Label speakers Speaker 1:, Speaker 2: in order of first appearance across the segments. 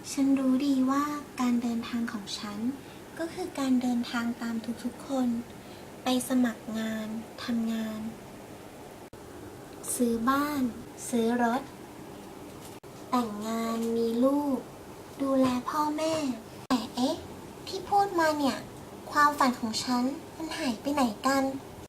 Speaker 1: ฉันรู้ดีว่าการเดินทางของฉันก็คือการเดินทางตามทุกๆคนไปสมัครงานทำงานซื้อบ้านซื้อรถแต่งงานมีลูกดูแลพ่อแม่แต่ที่พูดมาเนี่ยความฝันของฉันมันหายไปไหนกัน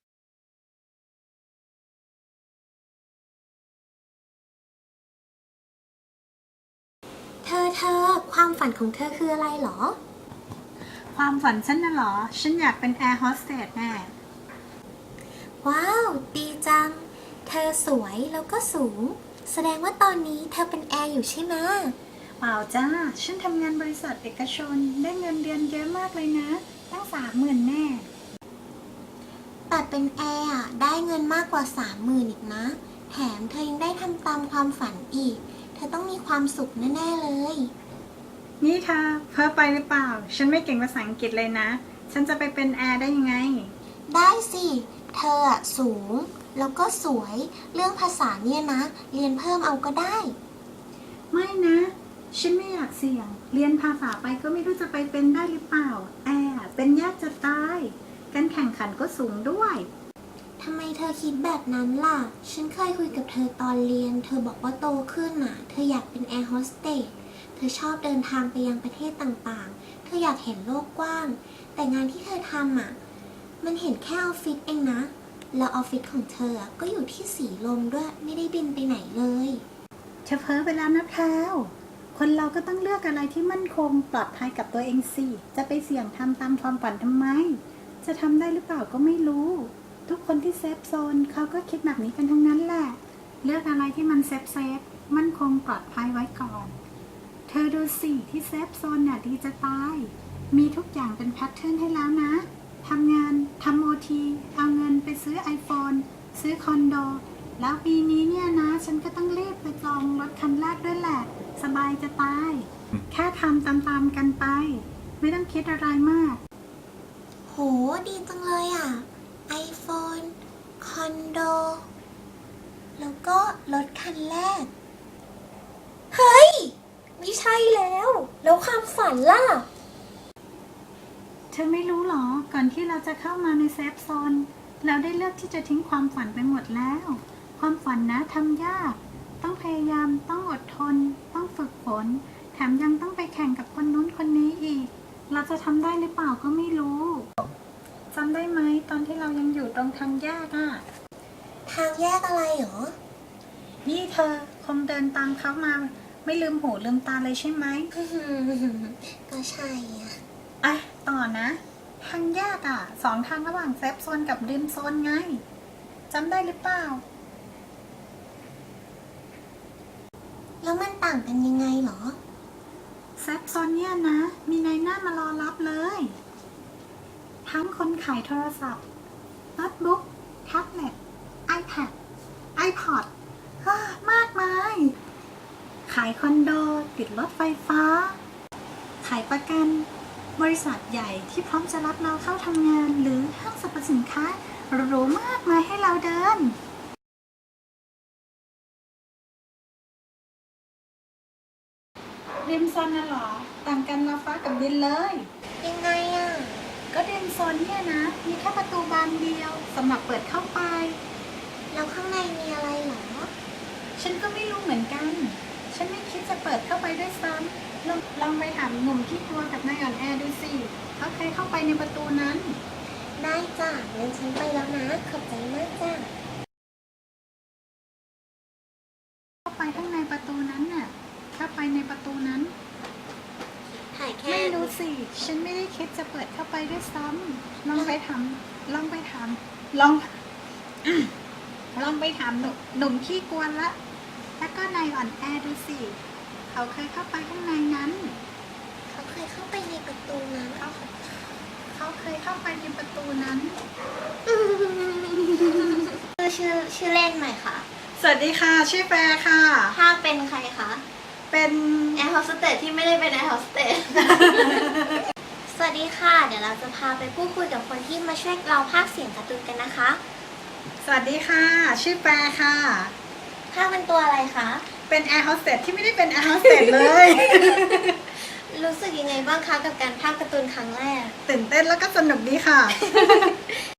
Speaker 1: เธอความฝันของเธอคืออะไรหรอ
Speaker 2: ความฝันฉันน่ะเหรอ ฉันอยากเป็นแอร์โฮสเตสแน่
Speaker 1: ว้าวดีจังเธอสวยแล้วก็สูงแสดงว่าตอนนี้เธอเป็นแอร์อยู่ใช่ไหม
Speaker 2: เปล่าจ้า ฉันทำงานบริษัทเอกชนได้เงินเดือนเยอะมากเลยนะ ตั้ง30,000แน่
Speaker 1: แต่เป็นแอร์อะได้เงินมากกว่า30,000อีกนะแถมเธอยังได้ทำตามความฝันอีกเธอต้องมีความสุขแน่ๆเลย
Speaker 2: นี่เธอเพ้อไปหรือเปล่า ฉันไม่เก่งภาษาอังกฤษเลยนะ ฉันจะไปเป็นแอร์ได้ยังไง
Speaker 1: ได้สิเธออะสูงแล้วก็สวยเรื่องภาษาเนี่ยนะเรียนเพิ่มเอาก็ได้
Speaker 2: ไม่นะ ฉันไม่อยากเสี่ยง เรียนภาษาไปก็ไม่รู้จะไปเป็นได้หรือเปล่า แอร์เป็นยากจะตาย การแข่งขันก็สูงด้วย
Speaker 1: ทำไมเธอคิดแบบนั้นล่ะฉันเคยคุยกับเธอตอนเรียนเธอบอกว่าโตขึ้นน่ะเธออยากเป็นแอร์โฮสเตสเธอชอบเดินทางไปยังประเทศต่างๆเธออยากเห็นโลกกว้างแต่งานที่เธอทำอ่ะมันเห็นแค่ออฟฟิศเองนะแล้วออฟฟิศของเธอก็อยู่ที่สีลมด้วยไม่ได้บินไปไหนเลย
Speaker 2: เธอเพ้อไปแล้วนะแพรวคนเราก็ต้องเลือกอะไรที่มั่นคงปลอดภัยกับตัวเองสิ จะไปเสี่ยงทำตามความฝันทำไม จะทำได้หรือเปล่าก็ไม่รู้ ทุกคนที่เซฟโซนเขาก็คิดแบบนี้กันทั้งนั้นแหละ เลือกอะไรที่มันเซฟมั่นคงปลอดภัยไว้ก่อน เธอดูสิที่เซฟโซนเนี่ยดีจะตาย มีทุกอย่างเป็นแพทเทิร์นให้แล้วนะ ทำงานทำโอทีเอาเงินไปซื้อ iPhone ซื้อคอนโด แล้วปีนี้เนี่ยนะฉันก็ต้องรีบไปจองรถคันแรกด้วยแหละ สบายจะตาย แค่ทำตามๆกันไป ไม่ต้องคิดอะไรมาก
Speaker 1: โหดีจังเลยอ่ะ iPhone คอนโดแล้วก็รถคันแรกเฮ้ยไม่ใช่แล้วความฝันล่ะ
Speaker 2: เธอไม่รู้หรอ ก่อนที่เราจะเข้ามาในเซฟโซน เราได้เลือกที่จะทิ้งความฝันไปหมดแล้ว ความฝันนะทำยาก ต้องพยายาม ต้องอดทน ต้องฝึกฝน แถมยังต้องไปแข่งกับคนนู้นคนนี้อีก เราจะทำได้หรือเปล่าก็ไม่รู้ จำได้ไหมตอนที่เรายังอยู่ตรงทางแยกอะ
Speaker 1: ทางแยกอะไรหรอ
Speaker 2: นี่เธอคงเดินตามเขามา ไม่ลืมหูลืมตาเลยใช่ไหม
Speaker 1: ก็ใช่อ่ะ
Speaker 2: ต่อนะ ทางแยกอ่ะ2 ทางระหว่างเซฟโซนกับริมโซนไงจำได้หรือเปล่า
Speaker 1: แล้วมันต่างกันยังไงหรอ
Speaker 2: เซฟโซนเนี่ยนะ มีนายหน้ามารอรับเลย ทั้งคนขายโทรศัพท์โน้ตบุ๊กแท็บเล็ต iPad iPod มากมาย ขายคอนโด ติดรถไฟฟ้า ขายประกัน บริษัทใหญ่ที่พร้อมจะรับเราเข้าทำงานหรือห้างสรรพสินค้าหรูมากมายให้เราเดิน ริมโซนน่ะเหรอ ต่างกันเราฟ้ากับดินเลย
Speaker 1: ยังไงอ่ะ
Speaker 2: ก็ริมโซนเนี่ยนะ มีแค่ประตูบานเดียวสำหรับเปิดเข้าไป
Speaker 1: แล้วข้างในมีอะไรหรอ
Speaker 2: ฉันก็ไม่รู้เหมือนกัน ฉันไม่คิดจะเปิดเข้าไปด้วยซ้ำลองไปถามหนุ่มที่กลัวกับนายอ่อนแอดูสิเขาเคยเข้าไปในประตูนั้น
Speaker 1: ได้จ้ะงั้นฉันไปแล้วนะขอบใจมากจ้ะ
Speaker 2: เข้าไปข้างในประตูนั้นน่ะเข้าไปในประตูนั้น
Speaker 1: ถ่ายแค่
Speaker 2: ไม่รู้สิ ฉันไม่ได้คิดจะเปิดเข้าไปด้วยซ้ำลองไปถามลองไปถามลอง ลองไปถามหนุ่มขี้กวนละแล้วก็นายอ่อนแอดูสิเขาเคยเข้าไปข้างในนั้น
Speaker 1: เขาเคยเข้าไปในประตูนั้น
Speaker 2: เขาเคยเข้าไปในประตูนั้น
Speaker 1: ชื่อเล่นใหม่ค่ะ
Speaker 2: สวัสดีค่ะ ชื่อแฟร์ค่ะ
Speaker 1: ถ้าเป็นใครคะ
Speaker 2: เป็น
Speaker 1: แอร์โฮสเตสที่ไม่ได้เป็นแอร์โฮสเตส สวัสดีค่ะ เดี๋ยวเราจะพาไปพูดคุยกับคนที่มาช่วยเราพากย์เสียงการ์ตูนกันนะคะ
Speaker 2: สวัสดีค่ะ ชื่อแฟร์ค่ะ
Speaker 1: ภาคเป็นตัวอะไรคะ
Speaker 2: เป็นแอร์โฮสเตสที่ไม่ได้เป็นแอร์โฮสเตสเลย
Speaker 1: รู้สึกยังไงบ้างคะกับการภาคการ์ตูนครั้งแรก
Speaker 2: ตื่นเต้นแล้วก็สนุกดีค่ะ